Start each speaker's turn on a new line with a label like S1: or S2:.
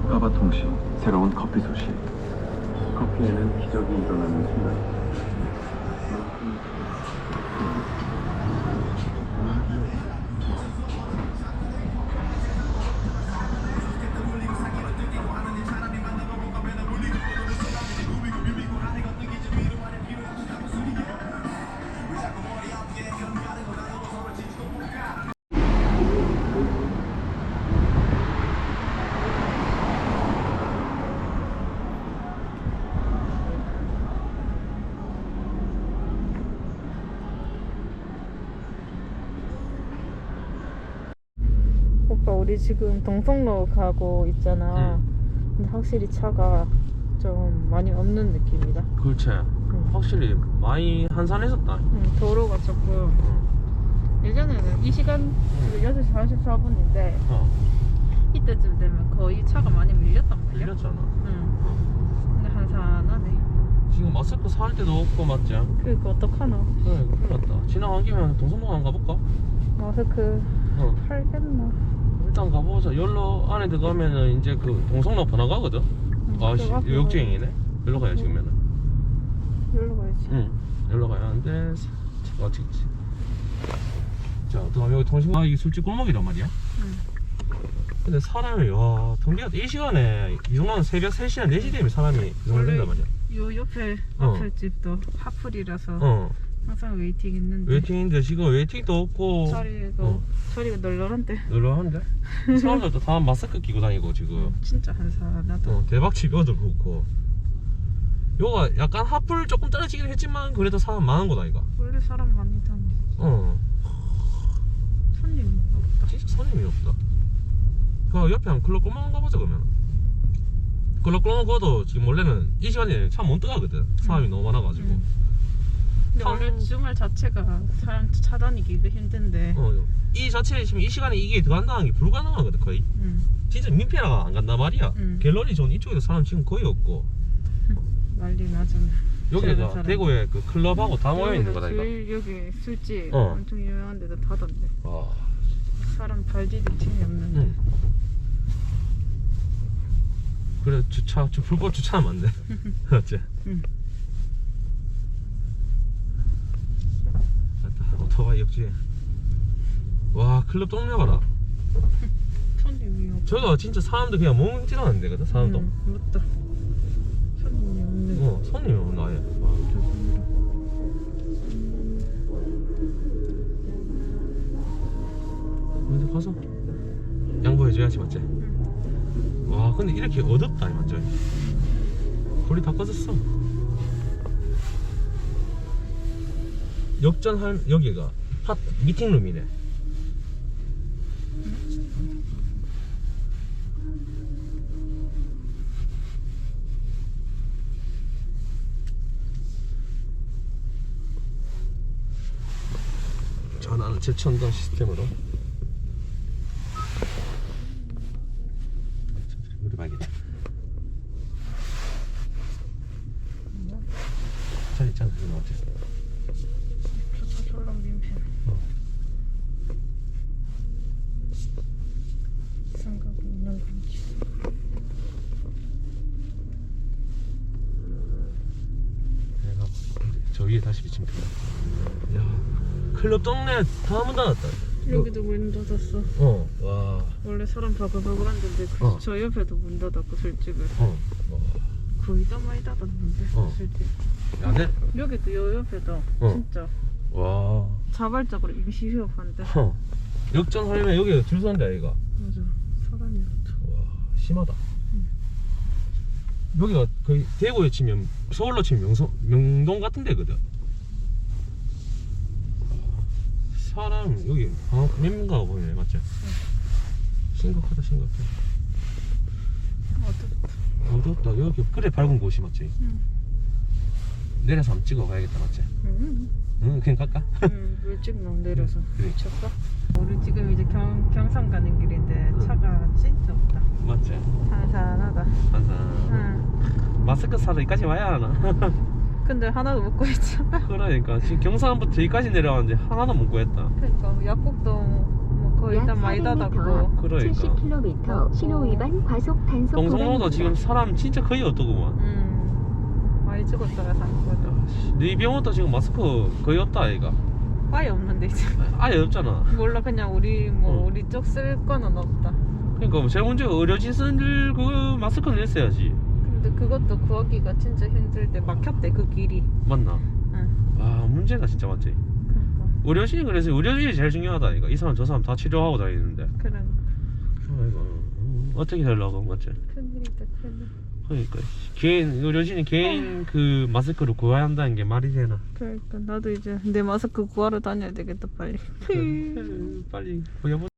S1: 까바통신 새로운 커피 소식. 커피에는 기적이 일어나는 순간.
S2: 오빠 우리 지금 동성로 가고 있잖아. 근데 확실히 차가 좀 많이 없는 느낌이다.
S3: 그렇지. 확실히 많이 한산해졌다.
S2: 도로가 조금 예전에는 이 시간 6시 44분인데 이때쯤 되면 거의 차가 많이 밀렸단 말이야.
S3: 밀렸잖아.
S2: 근데 한산하네.
S3: 지금 마스크 살 데도 없고 맞지?
S2: 그러니까 어떡하노.
S3: 그래 큰일 났다. 지나간 김에 동성로 안 가볼까?
S2: 마스크 팔겠나.
S3: 일단 가보자. 열로 안에 들어가면은 이제 그 동성로 번화가거든. 아씨 역주행이네. 열로 가야 지금면은.
S2: 여기로 가야지.
S3: 열로 가야 하는데 차가 어떻게 있지? 자, 또 여기 통신 이게 술집 골목이란 말이야. 근데 사람이 와 통계가 이 시간에 이 정도는 새벽 3시나 4시 되면 사람이 이 정도 된단 말이야.
S2: 요 옆에 앞에 집도 하플이라서 항상 웨이팅 있는데
S3: 웨이팅인데 지금 웨이팅도 없고
S2: 자리가 널널한데.
S3: 널널한데? 사람들도 다 마스크 끼고 다니고 지금.
S2: 진짜 한산하다.
S3: 대박집 여도 그렇고. 요가 약간 하플 조금 떨어지긴 했지만 그래도 사람 많은 곳 아이가.
S2: 원래 사람 많이 다니. 손님이 없다.
S3: 진짜 손님이 없다. 그 옆에 한 클럽 꼬만 가보자 그러면. 클럽 꼬만 가도 지금 원래는 이 시간에 차 못 들어가거든. 사람이 너무 많아가지고.
S2: 근데 원래 주말 자체가 사람 차 다니기가 힘든데.
S3: 이 자체에 지금 이 시간에 이게 들어간다는 게 불가능하거든 거의. 진짜 민폐라가 안 간단 말이야. 갤러리 존 이쪽에도 사람 지금 거의 없고.
S2: 난리 나잖아.
S3: 여기가 대구에 그 클럽하고 다 모여 있는 거다 이거.
S2: 여기 술집 엄청 유명한 데도 닫았네. 사람 발 디딜 틈이 없는데.
S3: 그래 불법 주차하면 안 돼. 맞지? 맞다. 오토바이 역주행. 와 클럽 동네 봐라.
S2: 손님이 없어.
S3: 저거 진짜 사람들 그냥 멍찌라는 데거든 사람도.
S2: 맞다. 손님이 없네.
S3: 손님이 없나 아예. 근데 가서 양보해줘야지 맞지? 와 근데 이렇게 어둡다 완전. 불이 다 꺼졌어. 역전할 여기가 미팅룸이네. 전화는 제천전 시스템으로. 우리 봐야겠다. 자 있잖아 이거 어때?
S2: 저 졸라 민폐. 생각이 있는 건지.
S3: 내가 저 위에 다시 비치면 된다. 야 클럽 동네 다 문 닫았다.
S2: 여기도 문 닫았어.
S3: 와.
S2: 원래 사람 바글바글한 데인데 저 옆에도 문 닫았고 술집을. 거의 다 많이 닫았는데 술집.
S3: 야, 네?
S2: 여기도 요 옆에도 진짜
S3: 와.
S2: 자발적으로 임시 휴업한대.
S3: 역전하려면 여기 줄 서는데 아이가.
S2: 맞아. 사람이 없다.
S3: 와 심하다. 여기가 거의 대구에 치면 서울로 치면 명동 같은 데거든. 사람 여기 몇 명가가 보이네 맞지? 심각하다 심각해. 어둡다. 여기 그래 밝은 곳이 맞지? 내려서 한번 찍어 가야겠다 맞지? 그냥 갈까?
S2: 물찍 내려서.
S3: 그래.
S2: 미쳤어? 우리 지금 이제 경산 가는 길인데 차가 진짜 없다.
S3: 맞지?
S2: 한산하다.
S3: 항상 마스크 사러 여기까지 와야 하나?
S2: 근데 하나도 못 구했잖아.
S3: 그러니까 지금 경산부터 여기까지 내려왔는데 하나도 못 구했다.
S2: 그러니까 약국도 뭐 거의
S4: 약
S2: 일단 많이
S4: 400m
S2: 닫았고.
S3: 그러니까
S4: 70km 신호 위반 과속 단속
S3: 동성로도 지금
S4: 구간입니다.
S3: 사람 진짜 거의 없더구만.
S2: 많이 찍었더라 상거든.
S3: 네 병원도 지금 마스크 거의 없다 아이가.
S2: 아예 없는데 이제.
S3: 아예 없잖아.
S2: 몰라 그냥 우리
S3: 응.
S2: 우리 쪽 쓸 거는 없다.
S3: 그러니까 제일 문제가 의료진 쓸 그 마스크는 있어야지.
S2: 근데 그것도 구하기가 진짜 힘들대. 막혔대 그 길이.
S3: 맞나?
S2: 응.
S3: 와 문제가 진짜 맞지.
S2: 그러니까.
S3: 의료진이 그래서 의료진이 제일 중요하다 아이가. 이 사람 저 사람 다 치료하고 다니는데.
S2: 그래.
S3: 아이고 어떻게 되려고 맞지?
S2: 큰일이다 큰일.
S3: 그러니까 개인 의료진이 개인 그 마스크를 구해야 한다는 게 말이 되나?
S2: 그러니까 나도 이제 내 마스크 구하러 다녀야 되겠다 빨리.
S3: 빨리 구해보.